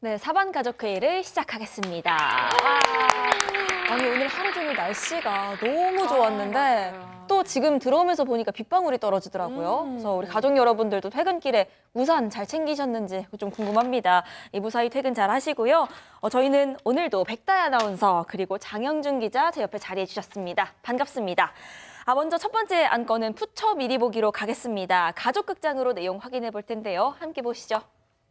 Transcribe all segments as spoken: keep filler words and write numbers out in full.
네, 사반 가족회의를 시작하겠습니다. 와. 아니 오늘 하루 종일 날씨가 너무 좋았는데 아, 또 지금 들어오면서 보니까 빗방울이 떨어지더라고요. 음. 그래서 우리 가족 여러분들도 퇴근길에 우산 잘 챙기셨는지 좀 궁금합니다. 이 무사히 퇴근 잘 하시고요. 어, 저희는 오늘도 백다희 아나운서 그리고 장영준 기자 제 옆에 자리해 주셨습니다. 반갑습니다. 아, 먼저 첫 번째 안건은 푸처 미리 보기로 가겠습니다. 가족극장으로 내용 확인해 볼 텐데요. 함께 보시죠.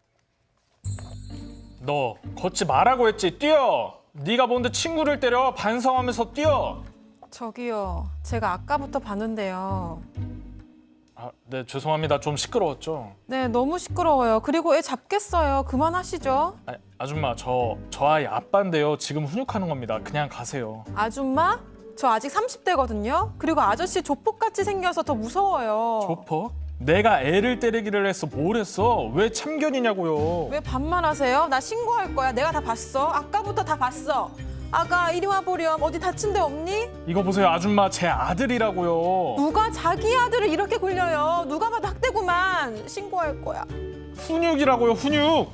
너 걷지 말라고 했지. 뛰어. 네가 뭔데 친구를 때려. 반성하면서 뛰어. 저기요, 제가 아까부터 봤는데요. 아, 네, 죄송합니다. 좀 시끄러웠죠. 네, 너무 시끄러워요. 그리고 애 잡겠어요. 그만하시죠. 아, 아줌마, 저, 저 아이 아빠인데요. 지금 훈육하는 겁니다. 그냥 가세요. 아줌마? 저 아직 삼십 대거든요. 그리고 아저씨 조폭같이 생겨서 더 무서워요. 조퍼? 내가 애를 때리기를 했어. 뭘 했어? 왜 참견이냐고요. 왜 반말하세요? 나 신고할 거야. 내가 다 봤어. 아까부터 다 봤어. 아가, 이리 와 보렴. 어디 다친 데 없니? 이거 보세요, 아줌마. 제 아들이라고요. 누가 자기 아들을 이렇게 굴려요? 누가 봐도 학대구만. 신고할 거야. 훈육이라고요, 훈육.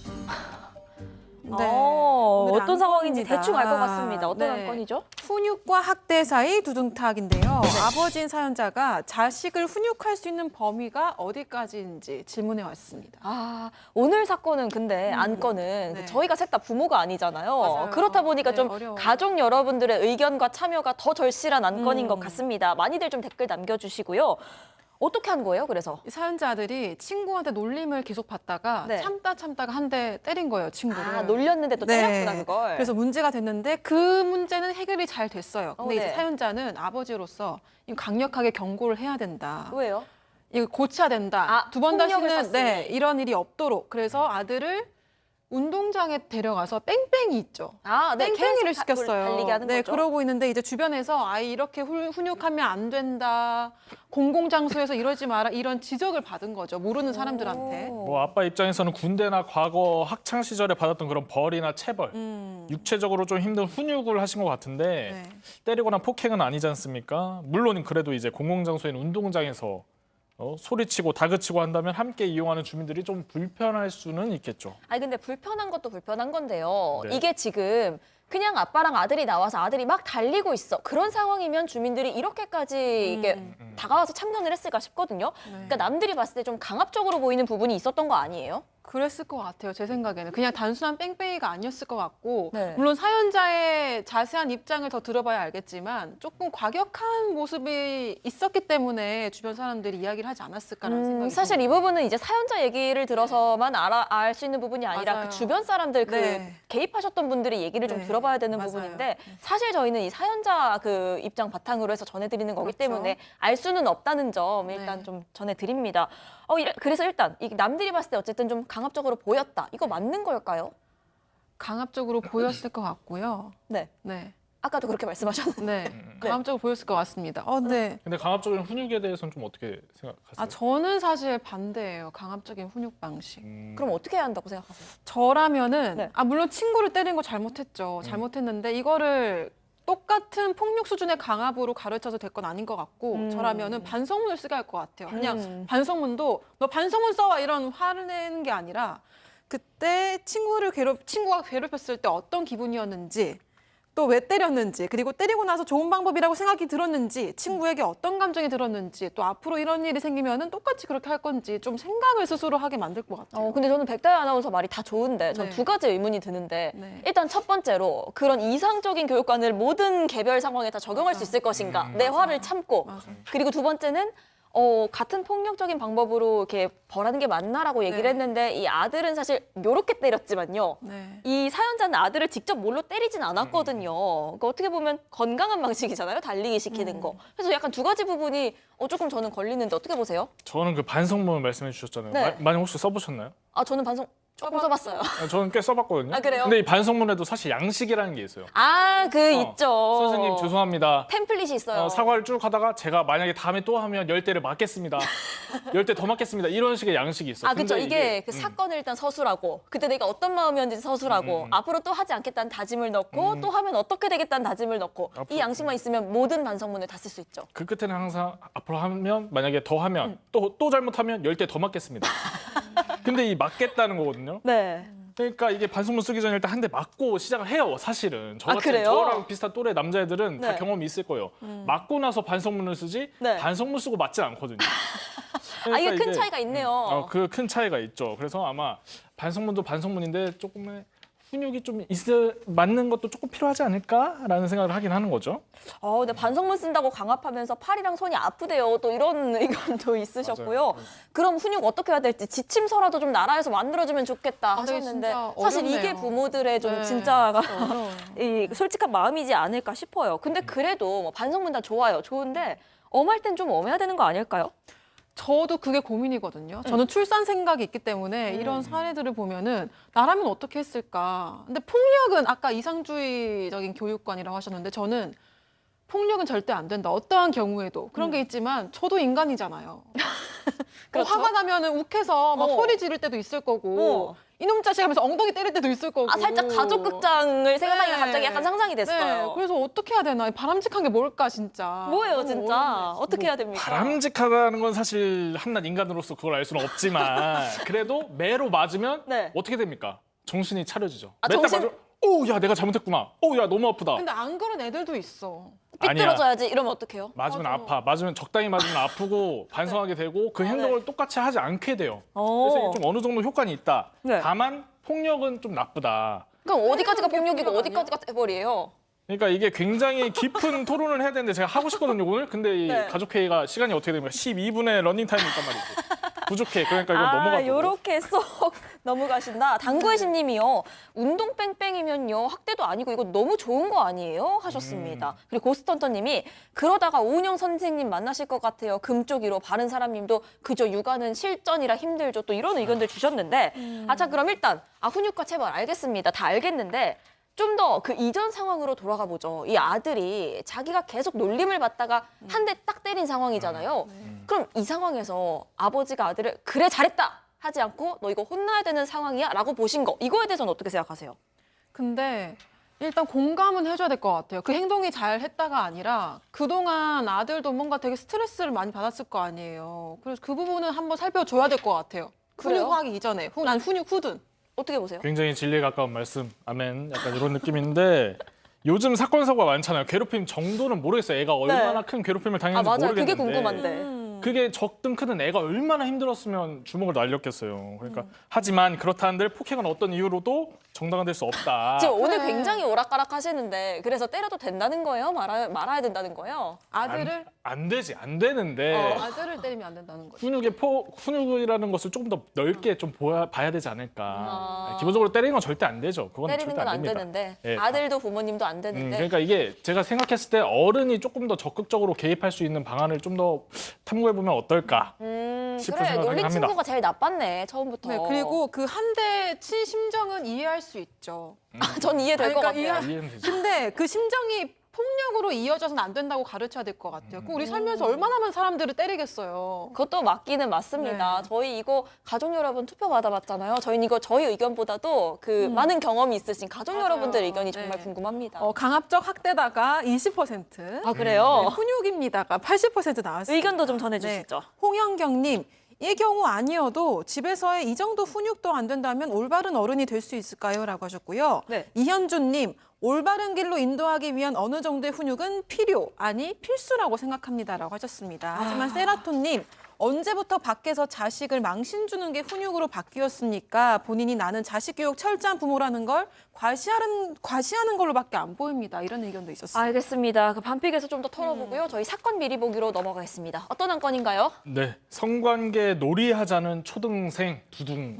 네. 어, 오늘 어떤 상황인지 안건입니다. 대충 알 것 같습니다. 어떤 네. 안건이죠? 훈육과 학대 사이 두둥탁인데요. 아버지인 사연자가 자식을 훈육할 수 있는 범위가 어디까지인지 질문해 왔습니다. 아, 오늘 사건은 근데 안건은 네. 저희가 셋 다 부모가 아니잖아요. 맞아요. 그렇다 보니까 네, 좀 어려워요. 가족 여러분들의 의견과 참여가 더 절실한 안건인 음. 것 같습니다. 많이들 좀 댓글 남겨주시고요. 어떻게 한 거예요, 그래서? 이 사연자들이 친구한테 놀림을 계속 받다가 네. 참다 참다가 한 대 때린 거예요, 친구를. 아, 놀렸는데 또 네. 때렸구나, 그걸. 그래서 문제가 됐는데 그 문제는 해결이 잘 됐어요. 근데 어, 이제 네. 사연자는 아버지로서 이거 강력하게 경고를 해야 된다. 왜요? 이거 고쳐야 된다. 아, 두 번 폭력을 다시는 썼으니. 네, 이런 일이 없도록. 그래서 아들을 운동장에 데려가서 뺑뺑이 있죠. 아, 네, 뺑뺑이를 계속 다- 시켰어요. 달리게 하는 네, 거죠. 그러고 있는데 이제 주변에서 아이 이렇게 훌- 훈육하면 안 된다. 공공장소에서 이러지 마라. 이런 지적을 받은 거죠. 모르는 사람들한테. 오. 뭐 아빠 입장에서는 군대나 과거 학창 시절에 받았던 그런 벌이나 체벌, 음. 육체적으로 좀 힘든 훈육을 하신 것 같은데 네. 때리거나 폭행은 아니지 않습니까? 물론 그래도 이제 공공장소인 운동장에서 어, 소리치고 다그치고 한다면 함께 이용하는 주민들이 좀 불편할 수는 있겠죠. 아니 근데 불편한 것도 불편한 건데요. 네. 이게 지금 그냥 아빠랑 아들이 나와서 아들이 막 달리고 있어. 그런 상황이면 주민들이 이렇게까지 이게 음. 다가와서 참견을 했을까 싶거든요. 네. 그러니까 남들이 봤을 때 좀 강압적으로 보이는 부분이 있었던 거 아니에요? 그랬을 것 같아요. 제 생각에는 그냥 단순한 뺑뺑이가 아니었을 것 같고 네. 물론 사연자의 자세한 입장을 더 들어봐야 알겠지만 조금 과격한 모습이 있었기 때문에 주변 사람들이 이야기를 하지 않았을까라는 음, 생각이 사실 이 듭니다. 부분은 이제 사연자 얘기를 들어서만 알아, 알 수 있는 부분이 아니라 맞아요. 그 주변 사람들 그 네. 개입하셨던 분들이 얘기를 좀 네, 들어봐야 되는 맞아요. 부분인데 사실 저희는 이 사연자 그 입장 바탕으로 해서 전해드리는 거기 그렇죠. 때문에 알 수는 없다는 점 일단 네. 좀 전해드립니다. 어, 이래- 그래서 일단 이 남들이 봤을 때 어쨌든 좀 강압적으로 보였다. 이거 맞는 걸까요? 강압적으로 보였을 것 같고요. 네. 네, 아까도 그렇게 말씀하셨는데. 네, 강압적으로 보였을 것 같습니다. 어, 네. 근데 강압적인 훈육에 대해서는 좀 어떻게 생각하세요? 아 저는 사실 반대예요. 강압적인 훈육 방식. 음, 그럼 어떻게 해야 한다고 생각하세요? 저라면은 네. 아 물론 친구를 때린 거 잘못했죠. 잘못했는데 이거를 똑같은 폭력 수준의 강압으로 가르쳐서 될 건 아닌 것 같고 음. 저라면은 반성문을 쓰게 할 것 같아요. 그냥 음. 반성문도 너 반성문 써와 이런 화를 내는 게 아니라 그때 친구를 괴롭 친구가 괴롭혔을 때 어떤 기분이었는지 또 왜 때렸는지 그리고 때리고 나서 좋은 방법이라고 생각이 들었는지 친구에게 어떤 감정이 들었는지 또 앞으로 이런 일이 생기면은 똑같이 그렇게 할 건지 좀 생각을 스스로 하게 만들 것 같아요. 어, 근데 저는 백다희 아나운서 말이 다 좋은데 전 네. 두 가지 의문이 드는데 네. 일단 첫 번째로 그런 이상적인 교육관을 모든 개별 상황에 다 적용할 수 맞아. 있을 것인가 음. 내 맞아. 화를 참고 맞아. 그리고 두 번째는 어, 같은 폭력적인 방법으로 이렇게 벌하는 게 맞나라고 얘기를 네. 했는데 이 아들은 사실 요렇게 때렸지만요. 네. 이 사연자는 아들을 직접 몰로 때리진 않았거든요. 그러니까 어떻게 보면 건강한 방식이잖아요. 달리기 시키는 음. 거. 그래서 약간 두 가지 부분이 어, 조금 저는 걸리는데 어떻게 보세요? 저는 그 반성문 말씀해 주셨잖아요. 네. 마- 많이 혹시 써보셨나요? 아, 저는 반성 조금 써봤어요. 아, 저는 꽤 써봤거든요. 아, 그래요? 근데 이 반성문에도 사실 양식이라는 게 있어요. 아, 그 어, 있죠. 선생님 죄송합니다. 템플릿이 있어요. 어, 사과를 쭉 하다가 제가 만약에 다음에 또 하면 열 대를 맞겠습니다. 열 대 더 맞겠습니다. 이런 식의 양식이 있어요. 아, 그렇죠. 근데 이게, 그 음, 사건을 일단 서술하고 그때 내가 어떤 마음이었는지 서술하고 음, 음. 앞으로 또 하지 않겠다는 다짐을 넣고 음. 또 하면 어떻게 되겠다는 다짐을 넣고 이 앞으로, 양식만 있으면 모든 반성문을 다 쓸 수 있죠. 그 끝에는 항상 앞으로 하면 만약에 더 하면 음. 또 또 잘못하면 열 대 더 맞겠습니다. 근데 이 맞겠다는 거거든요. 네. 그러니까 이게 반성문 쓰기 전에 일단 한 대 맞고 시작을 해요. 사실은 저 아, 같은 그래요? 저랑 비슷한 또래 남자애들은 다 네. 경험이 있을 거예요. 맞고 나서 반성문을 쓰지 네. 반성문 쓰고 맞진 않거든요. 아, 이게 그러니까 큰 차이가 있네요. 어, 그 큰 차이가 있죠. 그래서 아마 반성문도 반성문인데 조금의 훈육이 좀 있을 맞는 것도 조금 필요하지 않을까라는 생각을 하긴 하는 거죠. 어, 근데 반성문 쓴다고 강압하면서 팔이랑 손이 아프대요. 또 이런 의견도 있으셨고요. 맞아요. 그럼 훈육 어떻게 해야 될지 지침서라도 좀 나라에서 만들어주면 좋겠다 아, 네, 하셨는데 진짜 사실 어렵네요. 이게 부모들의 좀 네, 진짜가 진짜 어려워요. 이 솔직한 마음이지 않을까 싶어요. 근데 그래도 뭐 반성문 다 좋아요. 좋은데 엄할 땐 좀 엄해야 되는 거 아닐까요? 저도 그게 고민이거든요. 저는 출산 생각이 있기 때문에 이런 사례들을 보면은 나라면 어떻게 했을까. 근데 폭력은 아까 이상주의적인 교육관이라고 하셨는데 저는 폭력은 절대 안 된다. 어떠한 경우에도 그런 게 있지만 저도 인간이잖아요. 그렇죠. 화가 나면은 욱해서 막 어. 소리 지를 때도 있을 거고 어. 이놈 자식 하면서 엉덩이 때릴 때도 있을 거고. 아, 살짝 가족 극장을 생각하니까 네. 갑자기 약간 상상이 됐어요. 네, 그래서 어떻게 해야 되나. 바람직한 게 뭘까 진짜. 뭐예요, 너무 진짜? 어렵네. 어떻게 해야 됩니까? 바람직하다는 건 사실 한낱 인간으로서 그걸 알 수는 없지만 그래도 매로 맞으면 네. 어떻게 됩니까? 정신이 차려지죠. 아, 몇 대 정신- 맞으면 오, 야 내가 잘못했구나. 오, 야 너무 아프다. 근데 안 그런 애들도 있어. 아니야. 삐뚤어져야지 이러면 어떡해요? 맞으면 맞아. 아파. 맞으면 적당히 맞으면 아프고 반성하게 되고 그 행동을 똑같이 하지 않게 돼요. 어. 그래서 이게 좀 어느 정도 효과는 있다. 네. 다만 폭력은 좀 나쁘다. 그럼 어디까지가 그게 폭력이고 폭력 어디까지가 떼버리예요? 그러니까 이게 굉장히 깊은 토론을 해야 되는데 제가 하고 싶거든요 오늘. 근데 이 네. 가족회의가 시간이 어떻게 됩니까? 십이 분의 러닝 타임이 있단 말이죠. 부족해. 그러니까 이건 아, 넘어가고. 요렇게 쏙 넘어가신다. 당구의 신님이요. 운동 뺑뺑이면요. 학대도 아니고 이거 너무 좋은 거 아니에요? 하셨습니다. 음. 그리고 고스턴터님이 그러다가 오은영 선생님 만나실 것 같아요. 금쪽이로 바른 사람님도 그저 육아는 실전이라 힘들죠. 또 이런 의견들 주셨는데 아, 자 그럼 일단 아 훈육과 체벌 알겠습니다. 다 알겠는데 좀 더 그 이전 상황으로 돌아가 보죠. 이 아들이 자기가 계속 놀림을 받다가 한 대 딱 때린 상황이잖아요. 그럼 이 상황에서 아버지가 아들을 그래 잘했다 하지 않고 너 이거 혼나야 되는 상황이야 라고 보신 거 이거에 대해서는 어떻게 생각하세요? 근데 일단 공감은 해줘야 될 것 같아요. 그 행동이 잘 했다가 아니라 그동안 아들도 뭔가 되게 스트레스를 많이 받았을 거 아니에요. 그래서 그 부분은 한번 살펴줘야 될 것 같아요. 그래요? 훈육하기 이전에. 후, 난 훈육 후든. 어떻게 보세요? 굉장히 진리에 가까운 말씀. 아멘. 약간 이런 느낌인데 요즘 사건 사고가 많잖아요. 괴롭힘 정도는 모르겠어요. 애가 얼마나 큰 괴롭힘을 아 당했는지 맞아요. 모르겠는데. 그게 궁금한데. 음. 그게 적든 크든 애가 얼마나 힘들었으면 주먹을 날렸겠어요. 그러니까 하지만 그렇다 한들 폭행은 어떤 이유로도 정당화될 수 없다. 지금 오늘 그래. 굉장히 오락가락 하시는데 그래서 때려도 된다는 거예요? 말아, 말아야 된다는 거예요? 아들을 안 되지, 안 되는데 어. 아들을 때리면 안 된다는 거죠. 훈육의 포, 훈육이라는 것을 조금 더 넓게 좀 보야, 봐야 되지 않을까. 아. 기본적으로 때리는 건 절대 안 되죠. 그건 때리는 절대 건 안 안 됩니다. 되는데 예. 아들도 부모님도 안 음, 되는데 그러니까 이게 제가 생각했을 때 어른이 조금 더 적극적으로 개입할 수 있는 방안을 좀 더 탐구해 보면 어떨까. 음, 싶은 그래 생각을 놀린 합니다. 친구가 제일 나빴네 처음부터. 네, 그리고 그 한 대 친 심정은 이해할 수 있죠. 전 이해될 것 그러니까 같아요. 이해- 이해는 되죠. 근데 그 심정이 폭력으로 이어져서는 안 된다고 가르쳐야 될 것 같아요. 그 우리 살면서 얼마나 많은 사람들을 때리겠어요. 그것도 맞기는 맞습니다. 네. 저희 이거 가족 여러분 투표 받아봤잖아요. 저희는 이거 저희 의견보다도 그 많은 경험이 있으신 가족 맞아요. 여러분들 의견이 정말 네. 궁금합니다. 어, 강압적 학대다가 이십 퍼센트, 아 그래요? 네, 훈육입니다가 팔십 퍼센트 나왔습니다. 의견도 좀 전해주시죠. 네. 홍영경님, 이 경우 아니어도 집에서의 이 정도 훈육도 안 된다면 올바른 어른이 될 수 있을까요? 라고 하셨고요. 네. 이현주님, 올바른 길로 인도하기 위한 어느 정도의 훈육은 필요, 아니 필수라고 생각합니다라고 하셨습니다. 하지만 세라톤님, 언제부터 밖에서 자식을 망신 주는 게 훈육으로 바뀌었습니까? 본인이 나는 자식 교육 철저한 부모라는 걸 과시하는, 과시하는 걸로밖에 안 보입니다. 이런 의견도 있었어요. 알겠습니다. 그 반픽에서 좀 더 털어보고요. 저희 사건 미리 보기로 넘어가겠습니다. 어떤 한 건인가요? 네, 성관계 놀이하자는 초등생 두둥.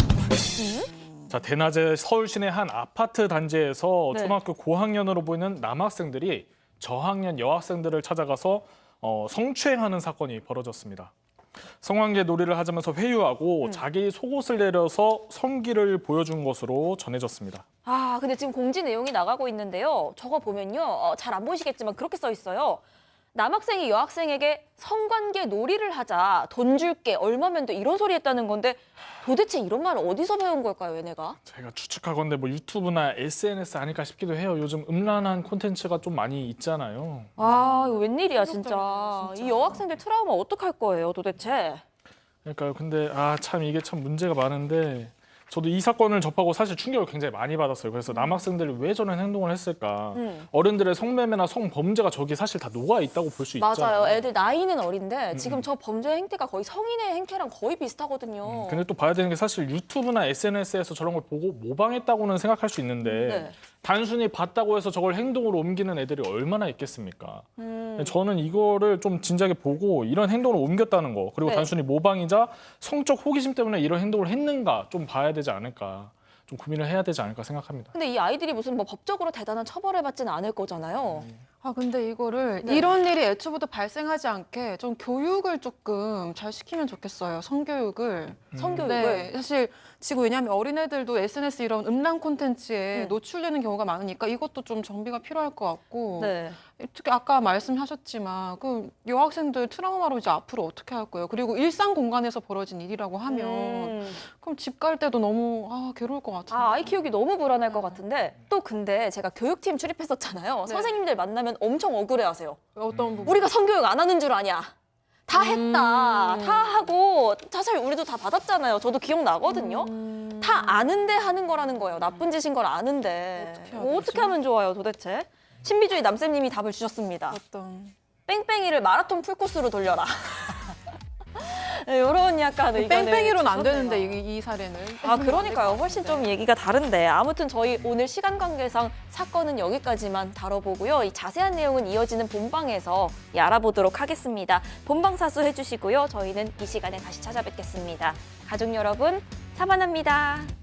자, 대낮에 서울 시내 한 아파트 단지에서 네. 초등학교 고학년으로 보이는 남학생들이 저학년 여학생들을 찾아가서 어, 성추행하는 사건이 벌어졌습니다. 성관계 놀이를 하자면서 회유하고 자기 속옷을 내려서 성기를 보여준 것으로 전해졌습니다. 아, 근데 지금 공지 내용이 나가고 있는데요. 저거 보면요. 어, 잘 안 보이시겠지만 그렇게 써 있어요. 남학생이 여학생에게 성관계 놀이를 하자, 돈 줄게, 얼마면 돼, 이런 소리 했다는 건데 도대체 이런 말 어디서 배운 걸까요, 얘네가? 제가 추측하건데 뭐 유튜브나 에스엔에스 아닐까 싶기도 해요. 요즘 음란한 콘텐츠가 좀 많이 있잖아요. 아, 이거 웬일이야, 진짜. 충격적이네요, 진짜. 이 여학생들 트라우마 어떡할 거예요, 도대체? 그러니까요. 근데 아 참 이게 참 문제가 많은데 저도 이 사건을 접하고 사실 충격을 굉장히 많이 받았어요. 그래서 남학생들이 왜 저런 행동을 했을까? 음. 어른들의 성매매나 성범죄가 저기 사실 다 녹아 있다고 볼 수 있잖아요. 맞아요. 애들 나이는 어린데 지금 음. 저 범죄 행태가 거의 성인의 행태랑 거의 비슷하거든요. 근데 또 봐야 되는 게 사실 유튜브나 에스엔에스에서 저런 걸 보고 모방했다고는 생각할 수 있는데 네. 단순히 봤다고 해서 저걸 행동으로 옮기는 애들이 얼마나 있겠습니까? 음. 저는 이거를 좀 진작에 보고 이런 행동을 옮겼다는 거 그리고 네. 단순히 모방이자 성적 호기심 때문에 이런 행동을 했는가 좀 봐야 되지 않을까 좀 고민을 해야 되지 않을까 생각합니다. 근데 이 아이들이 무슨 뭐 법적으로 대단한 처벌을 받지는 않을 거잖아요. 아 근데 이거를 네. 이런 일이 애초부터 발생하지 않게 좀 교육을 조금 잘 시키면 좋겠어요. 성교육을. 성교육을. 네, 사실 지금 왜냐하면 어린애들도 에스엔에스 이런 음란 콘텐츠에 음. 노출되는 경우가 많으니까 이것도 좀 정비가 필요할 것 같고 네. 특히 아까 말씀하셨지만 그 여학생들 트라우마로 이제 앞으로 어떻게 할 거예요? 그리고 일상 공간에서 벌어진 일이라고 하면 음. 그럼 집 갈 때도 너무 아 괴로울 것 같아요. 아, 아이 키우기 너무 불안할 것 같은데 또 근데 제가 교육팀 출입했었잖아요. 네. 선생님들 만나면 엄청 억울해하세요. 어떤 부분? 우리가 성교육 안 하는 줄 아냐? 다 음. 했다. 다 하고 사실 우리도 다 받았잖아요. 저도 기억나거든요. 음. 다 아는데 하는 거라는 거예요. 나쁜 짓인 걸 아는데. 어떻게 해야 뭐 어떻게 되지? 하면 좋아요, 도대체? 신비주의 남쌤님이 답을 주셨습니다. 어떤 뺑뺑이를 마라톤 풀코스로 돌려라. 이런 약간 의견을 뺑뺑이로는 안 주셨네요. 되는데 이, 이 사례는 아 그러니까요. 훨씬 좀 얘기가 다른데 아무튼 저희 오늘 시간 관계상 사건은 여기까지만 다뤄보고요. 이 자세한 내용은 이어지는 본방에서 예, 알아보도록 하겠습니다. 본방 사수 해주시고요. 저희는 이 시간에 다시 찾아뵙겠습니다. 가족 여러분 사만합니다.